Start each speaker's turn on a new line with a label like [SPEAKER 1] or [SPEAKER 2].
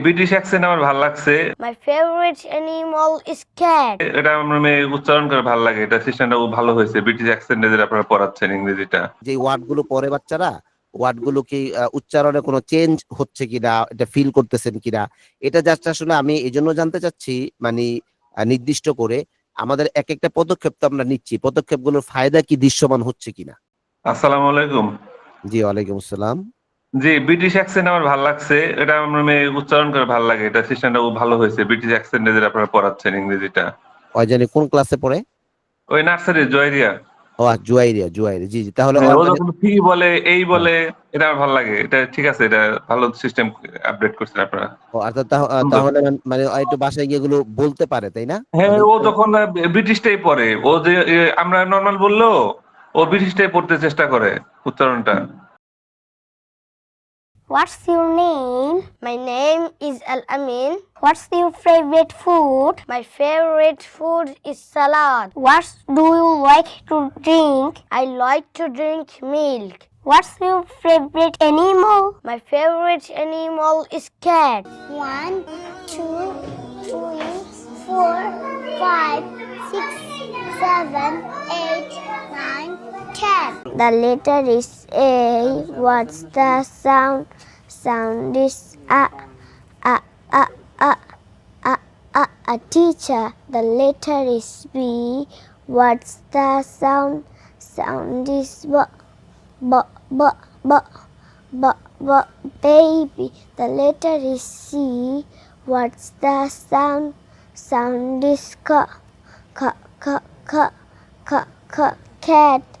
[SPEAKER 1] British accent আমার ভাল লাগছে।
[SPEAKER 2] My favorite animal is cat.
[SPEAKER 1] এটা আমার মেয়ে উচ্চারণ করে ভাল লাগে। এটা সিস্টেমটা ভালো হয়েছে। ব্রিটিশ অ্যাকসেন্টে যেটা আপনারা পড়াচ্ছেন ইংরেজিটা।
[SPEAKER 3] যে ওয়ার্ডগুলো পড়ে বাচ্চারা, ওয়ার্ডগুলো কি উচ্চারণে কোনো চেঞ্জ হচ্ছে কিনা, এটা ফিল করতেছেন কিনা, এটা জাস্ট আসলে আমি এই জন্য জানতে চাচ্ছি। মানে নির্দিষ্ট করে আমাদের এক একটা পদক্ষেপ তো আমরা নিচ্ছি, পদক্ষেপগুলোর ফায়দা কি দৃশ্যমান হচ্ছে কিনা।
[SPEAKER 1] আসসালামু আলাইকুম।
[SPEAKER 3] জি, ওয়ালাইকুম আসসালাম।
[SPEAKER 1] জি, ব্রিটিশ অ্যাকসেন্ট আমার ভাল লাগছে। এটা আমার মেয়ে উচ্চারণ করে ভাল লাগে। এটা সিস্টেমটা ভালো হয়েছে। ব্রিটিশ অ্যাকসেন্টে যেটা আপনারা পড়াচ্ছেন ইংরেজিটা।
[SPEAKER 3] ওই জানি কোন ক্লাসে পড়ে?
[SPEAKER 1] ওই নার্সারি জয়রিয়া।
[SPEAKER 3] ও জুয়াইরিয়া, জুয়াইরিয়া, জি জি। তাহলে
[SPEAKER 1] হ্যাঁ,
[SPEAKER 3] ওর
[SPEAKER 1] ও
[SPEAKER 3] মানে
[SPEAKER 1] যখন ফি বলে, এই
[SPEAKER 3] হ্যাঁ।
[SPEAKER 1] বলে, এটা আমার ভাল লাগে। এটা ঠিক আছে। এটা ভালো সিস্টেম আপডেট করছেন আপনারা।
[SPEAKER 3] ও অর্থাৎ
[SPEAKER 1] সুন্দর।
[SPEAKER 3] তাহলে মানে ও একটু বাসায় গিয়ে এগুলো বলতে পারে, তাই না?
[SPEAKER 1] হ্যাঁ,
[SPEAKER 3] মানে
[SPEAKER 1] ও যখন ব্রিটিশটাই পড়ে। ও যে আমরা নরমাল বললেও ও ব্রিটিশটাই পড়তে চেষ্টা করে উচ্চারণটা।
[SPEAKER 2] What's your name? My name is Al Amin. What's your favorite food? My favorite food is salad. What do you like to drink? I like to drink milk. What's your favorite animal? My favorite animal is cat. 1, 2, 3, 4, 5, 6, 7, 8, 9, 10. The letter is A. What's the sound? Sound is a. A, a, a, a, a teacher. The letter is B. What's the sound? Sound is B. B, B, B, B, B, baby. The letter is C. What's the sound? Sound is K. K, K, K, K, K, cat.